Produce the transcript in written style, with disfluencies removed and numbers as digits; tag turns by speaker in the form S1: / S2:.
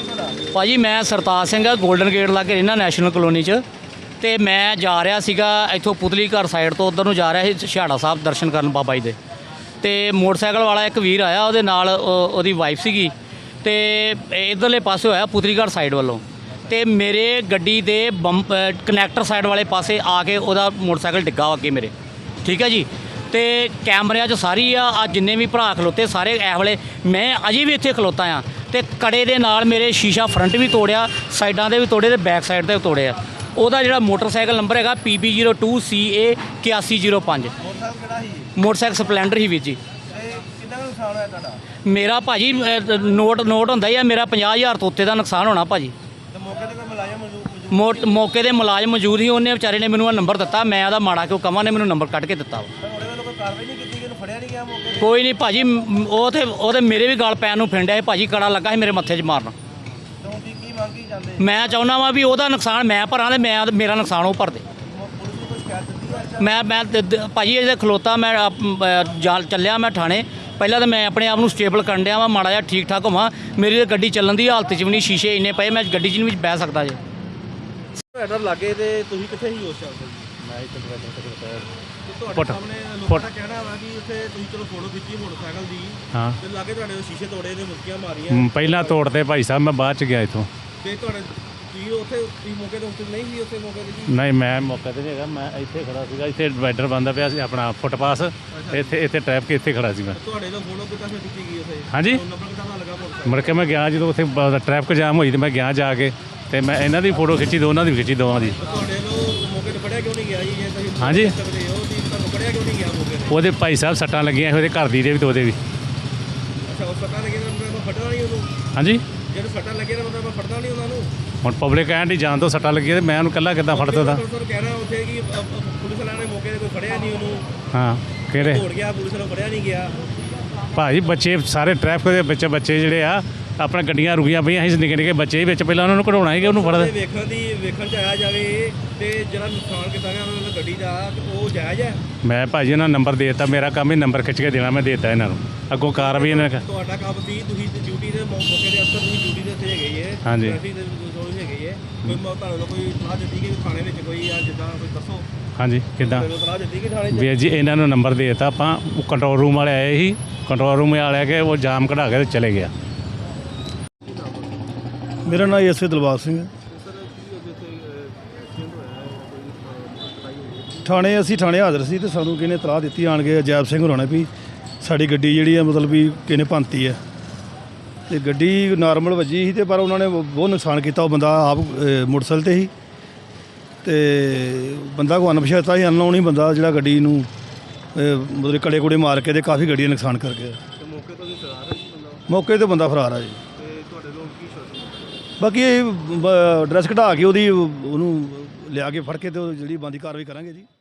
S1: ਭਾਜੀ मैं सरताज सिंह है, गोल्डन गेट लागे रहना नैशनल कलोनी च। तो मैं जा रहा सीगा इत्थों पुतली घर साइड तो उधर जा रहा ਸੀ ਛਿਹਾੜਾ ਸਾਹਿਬ दर्शन करन बाबा जी दे। तो मोटरसाइकिल वाला एक वीर आया, ਉਹਦੇ ਨਾਲ ਉਹਦੀ ਵਾਈਫ ਸੀਗੀ ਤੇ ਇਧਰਲੇ ਪਾਸੇ ਹੋਇਆ ਪੁਤਲੀ ਘਰ ਸਾਈਡ ਵੱਲੋਂ। ਤੇ ਮੇਰੇ ਗੱਡੀ ਦੇ ਕਨੈਕਟਰ ਸਾਈਡ ਵਾਲੇ ਪਾਸੇ ਆ ਕੇ ਉਹਦਾ ਮੋਟਰਸਾਈਕਲ ਡਿੱਗਾ ਅੱਗੇ ਮੇਰੇ, ਠੀਕ ਹੈ ਜੀ। ਤੇ ਕੈਮਰਿਆਂ 'ਚ ਸਾਰੀ ਆ ਜਿੰਨੇ ਵੀ ਭਰਾ ਖਲੋਤੇ ਸਾਰੇ ਇਸ ਵੇਲੇ, ਮੈਂ ਅਜੇ ਵੀ ਇੱਥੇ ਖਲੋਤਾ ਆ। ਤੇ ਕੜੇ ਦੇ ਨਾਲ ਮੇਰੇ ਸ਼ੀਸ਼ਾ ਫਰੰਟ ਵੀ ਤੋੜਿਆ, ਸਾਈਡਾਂ ਦੇ ਵੀ ਤੋੜੇ ਤੇ ਬੈਕ ਸਾਈਡ ਤੇ ਤੋੜਿਆ। ਉਹਦਾ ਜਿਹੜਾ ਮੋਟਰਸਾਈਕਲ ਨੰਬਰ ਹੈਗਾ PB02CA 8105। ਮੋਟਰਸਾਈਕਲ ਸਪਲੈਂਡਰ ਹੀ ਵੀਰ ਜੀ। ਮੇਰਾ ਭਾਜੀ ਨੋਟ ਹੁੰਦਾ ਹੀ ਆ, ਮੇਰਾ 50,000 ਤੋਂ ਉੱਤੇ ਦਾ ਨੁਕਸਾਨ ਹੋਣਾ ਭਾਜੀ। ਮੌਕੇ ਦੇ ਮੁਲਾਜ਼ਮ ਮੌਜੂਦ ਸੀ, ਉਹਨੇ ਵਿਚਾਰੇ ਨੇ ਮੈਨੂੰ ਨੰਬਰ ਦਿੱਤਾ, ਮੈਂ ਉਹਦਾ ਮਾੜਾ ਕਿਉਂ ਕਵਾਂ, ਨੇ ਮੈਨੂੰ ਨੰਬਰ ਕੱਢ ਕੇ ਦਿੱਤਾ। ਕੋਈ ਨਹੀਂ ਭਾਜੀ, ਉਹ ਤੇ ਮੇਰੇ ਵੀ ਗਲ ਪੈਣ ਨੂੰ ਫਿੰਡਿਆ ਭਾਜੀ, ਕੜਾ ਲੱਗਾ ਸੀ ਮੇਰੇ ਮੱਥੇ 'ਚ ਮਾਰਨ। ਮੈਂ ਚਾਹੁੰਦਾ ਵਾਂ ਵੀ ਉਹਦਾ ਨੁਕਸਾਨ ਮੈਂ ਭਰਾਂ ਤੇ ਮੇਰਾ ਨੁਕਸਾਨ ਉਹ ਭਰਦੇ। ਮੈਂ ਭਾਜੀ ਇਹਦੇ ਖਲੋਤਾ, ਮੈਂ ਚੱਲਿਆ ਮੈਂ ਥਾਣੇ। ਪਹਿਲਾਂ ਤਾਂ ਮੈਂ ਆਪਣੇ ਆਪ ਨੂੰ ਸਟੇਬਲ ਕਰਨ ਡਿਆ ਵਾਂ, ਮਾੜਾ ਜਿਹਾ ਠੀਕ ਠਾਕ ਹੋਵਾਂ। ਮੇਰੀ ਤਾਂ ਗੱਡੀ ਚੱਲਣ ਦੀ ਹਾਲਤ 'ਚ ਵੀ ਨਹੀਂ, ਸ਼ੀਸ਼ੇ ਇੰਨੇ ਪਏ, ਮੈਂ ਗੱਡੀ 'ਚ ਨਹੀਂ ਬਹਿ ਸਕਦਾ ਜੇ।
S2: ਤੁਹਾਡਾ ਲਾਗੇ ਤੇ ਤੁਸੀਂ ਕਿੱਥੇ ਹੀ ਉਸ ਚਾਲ ਮੈਂ ਇੱਥੇ ਤੁਹਾਡੇ ਸਾਹਮਣੇ ਲੋਕਾਂ ਦਾ ਕਹਿਣਾ ਵਾ ਕਿ ਉੱਥੇ ਤੁਸੀਂ ਚਲੋ ਫੋਟੋ ਖਿੱਚੀ ਮੋਟਰਸਾਈਕਲ ਦੀ, ਹਾਂ, ਤੇ ਲਾਗੇ ਤੁਹਾਡੇ ਸ਼ੀਸ਼ੇ ਤੋੜੇ ਨੇ, ਮੁੱਕੀਆਂ ਮਾਰੀਆਂ।
S3: ਪਹਿਲਾਂ ਤੋੜਦੇ ਭਾਈ ਸਾਹਿਬ, ਮੈਂ ਬਾਅਦ 'ਚ ਗਿਆ ਇੱਥੋਂ।
S2: ਤੇ ਤੁਹਾਡੇ ਤੁਸੀਂ ਉੱਥੇ ਮੌਕੇ ਤੇ ਉੱਤੇ ਨਹੀਂ ਸੀ? ਉੱਥੇ ਮੌਕੇ ਤੇ
S3: ਨਹੀਂ, ਮੈਂ ਮੌਕੇ ਤੇ ਨਹੀਂ ਹੈਗਾ, ਮੈਂ ਇੱਥੇ ਖੜਾ ਸੀਗਾ। ਇੱਥੇ ਡਿਵਾਈਡਰ ਬੰਦਾ ਪਿਆ ਸੀ ਆਪਣਾ ਫੁੱਟਪਾਸ, ਇੱਥੇ ਟ੍ਰੈਫਿਕ ਇੱਥੇ ਖੜਾ ਸੀ ਮੈਂ।
S2: ਤੁਹਾਡੇ ਤੋਂ ਫੋਟੋ ਕਿੱਦਾਂ ਖਿੱਚੀ ਗਈ ਉੱਥੇ?
S3: ਹਾਂਜੀ,
S2: ਨੰਬਰ ਕਿੱਦਾਂ ਪਤਾ ਲੱਗਾ ਮੋਟਰਸਾਈਕਲ?
S3: ਮੁੜ ਕੇ ਮੈਂ ਗਿਆ ਜਦੋਂ ਉੱਥੇ ਟ੍ਰੈਫਿਕ ਜਾਮ ਹੋਈ ਤੇ ਮੈਂ ਗਿਆ ਜਾ ਕੇ, ਤੇ ਮੈਂ ਇਹਨਾਂ ਦੀ ਫੋਟੋ ਖਿੱਚੀ, ਦੋਨਾਂ ਦੀ ਖਿੱਚੀ, ਦੋਵਾਂ ਦੀ।
S2: ਤੁਹਾਡੇ ਨੂੰ ਮੌਕੇ ਤੇ ਫੜਿਆ ਕਿਉਂ ਨਹੀਂ ਗਿਆ ਜੀ? ਜੇ ਤੁਸੀਂ
S3: ਹਾਂਜੀ,
S2: ਸਕਦੇ ਹੋ ਤੁਸੀਂ, ਤੁਹਾਨੂੰ ਫੜਿਆ ਕਿਉਂ ਨਹੀਂ ਗਿਆ ਮੌਕੇ ਤੇ?
S3: ਉਹਦੇ ਭਾਈ ਸਾਹਿਬ ਸੱਟਾਂ ਲੱਗੀਆਂ, ਉਹਦੇ ਘਰ ਦੀ ਦੇ ਵੀ ਤੇ ਉਹਦੇ ਵੀ।
S2: ਅੱਛਾ, ਉਹ ਸੱਟਾਂ ਲੱਗੀਆਂ ਤਾਂ ਮੈਂ ਫੜਨਾ ਨਹੀਂ ਉਹਨੂੰ?
S3: ਹਾਂਜੀ,
S2: ਜਦੋਂ ਸੱਟਾਂ ਲੱਗੀਆਂ ਤਾਂ ਮੈਂ ਫੜਦਾ ਨਹੀਂ ਉਹਨਾਂ ਨੂੰ?
S3: ਹੁਣ ਪਬਲਿਕ ਕਹਿਣ ਦੀ ਜਾਣ ਤੋਂ ਸੱਟਾਂ ਲੱਗੀਆਂ ਤੇ ਮੈਂ ਉਹਨੂੰ ਇਕੱਲਾ ਕਿੱਦਾਂ ਫੜ ਸਕਦਾ?
S2: ਕਹਿ ਰਿਹਾ ਉੱਥੇ ਕਿ ਪੁਲਿਸ ਵਾਲਿਆਂ ਨੇ ਮੌਕੇ ਤੇ ਕੋਈ ਫੜਿਆ ਨਹੀਂ ਉਹਨੂੰ।
S3: ਹਾਂ, ਕਿਹੜੇ
S2: ਦੌੜ ਗਿਆ, ਪੁਲਿਸ ਨੂੰ ਫੜਿਆ ਨਹੀਂ ਗਿਆ।
S3: ਭਾਜੀ ਬੱਚੇ ਸਾਰੇ ਟ੍ਰੈਫਿਕ ਦੇ ਵਿੱਚ ਬੱਚੇ ਜਿਹੜੇ ਆ ਆਪਣਾ ਗੱਡੀਆਂ ਰੁਕੀਆਂ ਪਈਆਂ ਸੀ, ਨਿੱਕੇ ਨਿੱਕੇ ਬੱਚੇ ਵਿੱਚ, ਪਹਿਲਾਂ ਉਹਨਾਂ ਨੂੰ ਕਢਾਉਣਾ ਸੀਗਾ, ਉਹਨੂੰ ਫੜਦਾ।
S2: ਵੇਖਣ 'ਚ ਆਇਆ ਜਾਵੇ ਤੇ ਜਿਹੜਾ ਨੁਕਸਾਨ ਕੀਤਾ ਗਿਆ ਉਹਨਾਂ ਦੀ ਗੱਡੀ ਦਾ, ਉਹ ਜਾਇਜ਼ ਹੈ?
S3: ਮੈਂ ਭਾਜੀ ਇਹਨਾਂ ਨੂੰ ਨੰਬਰ ਦੇ ਦਿੱਤਾ, ਮੇਰਾ ਕੰਮ ਹੀ ਨੰਬਰ ਖਿੱਚ ਕੇ ਦੇਣਾ, ਮੈਂ ਦੇ ਦਿੱਤਾ ਇਹਨਾਂ ਨੂੰ। ਅੱਗੋਂ ਕਾਰਵਾਈ ਇਹਨਾਂ ਨੇ।
S2: ਤੁਹਾਡਾ ਕੰਮ ਸੀ, ਤੁਸੀਂ ਡਿਊਟੀ ਦੇ ਮੌਕੇ ਦੇ ਅਫਸਰ, ਤੁਸੀਂ ਡਿਊਟੀ ਦੇ ਉੱਤੇ ਹੈਗੇ ਜੇ।
S3: ਹਾਂਜੀ,
S2: ਟ੍ਰੈਫਿਕ ਦੇ ਕੋਈ ਹੈਗੇ ਜੇ। ਕੋਈ ਤੁਹਾਨੂੰ ਕੋਈ ਸਲਾਹ ਦਿੱਤੀ ਕਿ ਥਾਣੇ ਵਿੱਚ ਕੋਈ ਆ ਜਿੱਦਾਂ ਕੋਈ ਦੱਸੋ?
S3: ਹਾਂਜੀ, ਕਿੱਦਾਂ
S2: ਸਲਾਹ ਦਿੱਤੀ ਕਿ ਥਾਣੇ 'ਚ?
S3: ਵੀਰ ਜੀ ਇਹਨਾਂ ਨੂੰ ਨੰਬਰ ਦੇ ਦਿੱਤਾ ਆਪਾਂ, ਕੰਟਰੋਲ ਰੂਮ ਵਾਲੇ ਆਏ ਸੀ, ਕੰਟਰੋਲ ਰੂਮ ਵਾਲੇ ਆ ਕੇ ਉਹ ਜਾਮ ਕਢਾ ਕੇ ਤੇ ਚਲੇ ਗਿਆ।
S4: ਮੇਰਾ ਨਾਮ ਐਸਏ ਦਿਲਬਾਗ ਸਿੰਘ ਹੈ। ਅਸੀਂ ਥਾਣੇ ਹਾਜ਼ਰ ਸੀ ਤੇ ਸਾਨੂੰ ਕਿਹਨੇ ਇਤਲਾਹ ਦਿੱਤੀ ਆਣ ਕੇ, ਅਜੈਬ ਸਿੰਘ ਹੋਰਾਂ ਨੇ, ਵੀ ਸਾਡੀ ਗੱਡੀ ਜਿਹੜੀ ਹੈ ਮਤਲਬ ਵੀ ਕਿਹਨੇ ਭੰਨਤੀ ਹੈ। ਤੇ ਗੱਡੀ ਨਾਰਮਲ ਵੱਜੀ ਸੀ ਤੇ ਪਰ ਉਹਨਾਂ ਨੇ ਬਹੁਤ ਨੁਕਸਾਨ ਕੀਤਾ। ਉਹ ਬੰਦਾ ਆਪ ਮੋਟਰਸਾਈਕਲ 'ਤੇ ਸੀ ਤੇ ਬੰਦਾ ਕੋਈ ਅਣਪਛਾਤਾ ਸੀ, ਅਨਨੋਨ ਹੀ ਬੰਦਾ, ਜਿਹੜਾ ਗੱਡੀ ਨੂੰ ਮਤਲਬ ਕੜੇ ਕੁੜੇ ਮਾਰ ਕੇ ਤੇ ਕਾਫੀ ਗੱਡੀ ਦਾ ਨੁਕਸਾਨ ਕਰ ਗਿਆ। ਮੌਕੇ 'ਤੇ ਬੰਦਾ ਫਰਾਰ ਆ ਜੀ। ਬਾਕੀ ਇਹ ਡਰੈਸ ਕਢਾ ਕੇ ਉਹਨੂੰ ਲਿਆ ਕੇ ਫੜ ਕੇ ਤੇ ਜਿਹੜੀ ਬਣਦੀ ਕਾਰਵਾਈ ਕਰਾਂਗੇ ਜੀ।